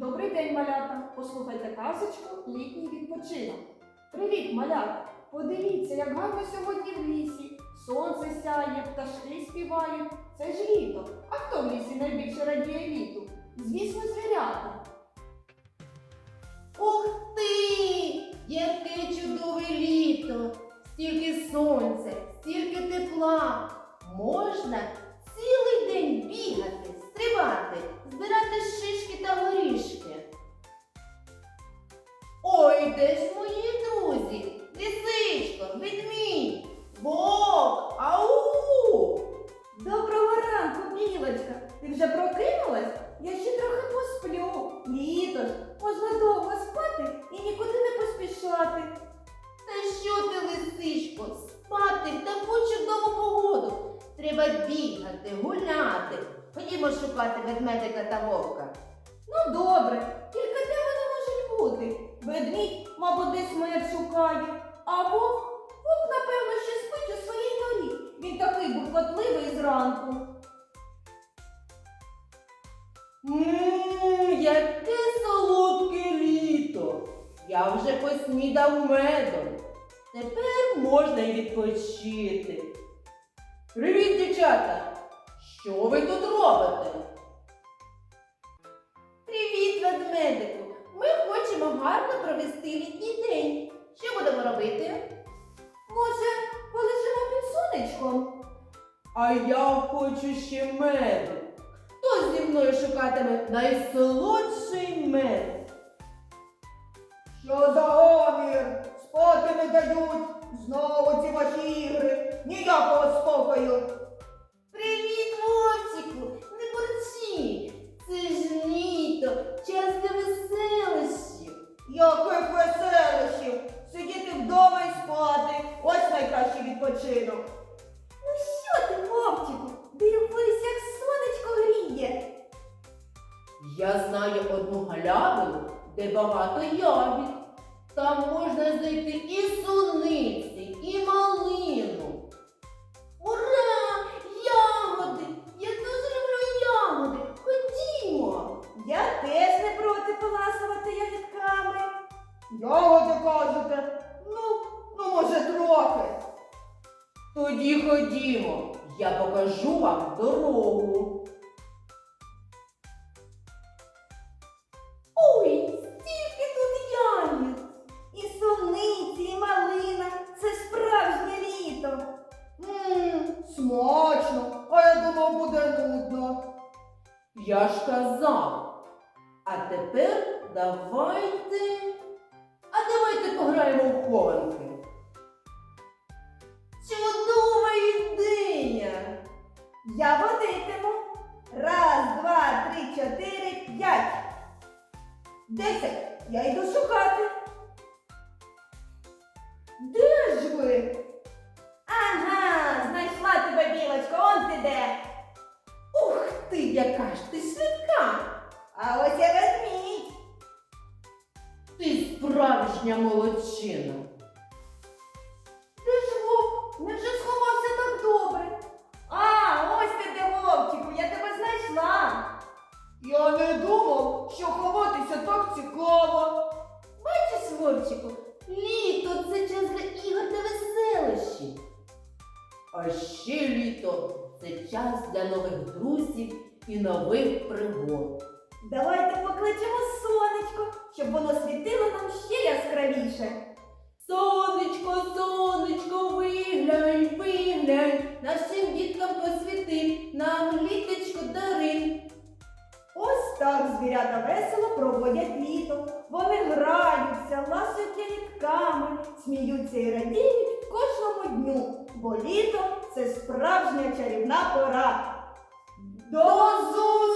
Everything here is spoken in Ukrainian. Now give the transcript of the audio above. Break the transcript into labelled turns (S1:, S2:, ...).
S1: Добрий день, малята! Послухайте казочку «Літній відпочинок». Привіт, малята! Подивіться, як гарно сьогодні в лісі. Сонце сяє, пташки співають. Це ж літо. А хто в лісі найбільше радіє літу? Звісно, звірята.
S2: Ух ти! Яке чудове літо! Стільки сонця, стільки тепла. Можна цілий день бігати, стрибати, збирати шишки та горішки. Ой, де ж мої друзі? Лисичко, ведмідь, вовк, ау!
S1: Доброго ранку, білочка! Ти вже прокинулась? Я ще трохи посплю. Літо ж, можна довго спати і нікуди не поспішати.
S2: Та що ти, лисичко, спати в таку чудову погоду? Треба бігати, гуляти. Ходімо шукати ведмедика та вовка.
S1: Ну добре, тільки де вони можуть бути? Ведмідь, мабуть, десь мед шукає. А вовк, напевно, ще спить у своїй норі. Він такий буркотливий зранку.
S2: Яке солодке літо! Я вже поснідав медом. Тепер можна й відпочити. Привіт, дівчата! Що ви тут робите? Привіт, ведмедику! Ми хочемо гарно провести літній день. Що будемо робити?
S1: Може, полежимо під сонечком?
S2: А я хочу ще меду. Хто зі мною шукатиме найсолодший мед?
S3: Що за гомір? Спати не дають. Знову ці ваші ігри. Ніякого спокою.
S2: Привіт, вовчику! Не бурчи! Це ж літо, час для веселощів.
S3: Яких веселощів. Сидіти вдома і спати. Ось найкращий відпочинок.
S1: Ну що ти, вовчику? Дивись, як сонечко гріє.
S2: Я знаю одну галявину, де багато ягід. Там можна знайти і суниці, і малину. Ура! Ягоди! Я дуже люблю ягоди! Ходімо!
S1: Я теж не проти поласувати ягідками.
S3: Ягоди кажете? Ну, може трохи.
S2: Тоді ходімо, я покажу вам дорогу.
S1: Ой, стільки тут ягід. І суниці, і малина. Це справжнє літо.
S3: Смачно. А я думав, буде нудно.
S2: Я ж казав. А тепер давайте пограємо в хованки. Чудова ідея!
S1: Я водитиму. 1, 2, 3, 4, 5. 10. Я йду шукати. Де ж ви? Ага, знайшла тебе, білочко, он ти де.
S2: Ух ти, яка ж ти швидка!
S1: А ось я ведмідь.
S2: Ти справжня молодчина.
S1: Де ж вовк? Невже сховався так добре? А, ось ти де, вовчику, я тебе знайшла.
S3: Я не думав, що ховатися так цікаво.
S2: Бачиш, вовчику, літо – це час для ігор та веселощів. А ще літо – це час для нових друзів і нових пригод.
S1: Давайте покличемо сонечко, щоб воно світило нам ще яскравіше.
S2: Сонечко, сонечко, виглянь, виглянь, нашим діткам посвіти, нам літочко дари.
S1: Ось так звірята весело проводять літо. Вони граються, ласують ягідками, сміються і радіють кожному дню, бо літо – це справжня чарівна пора.
S3: До зустрічі!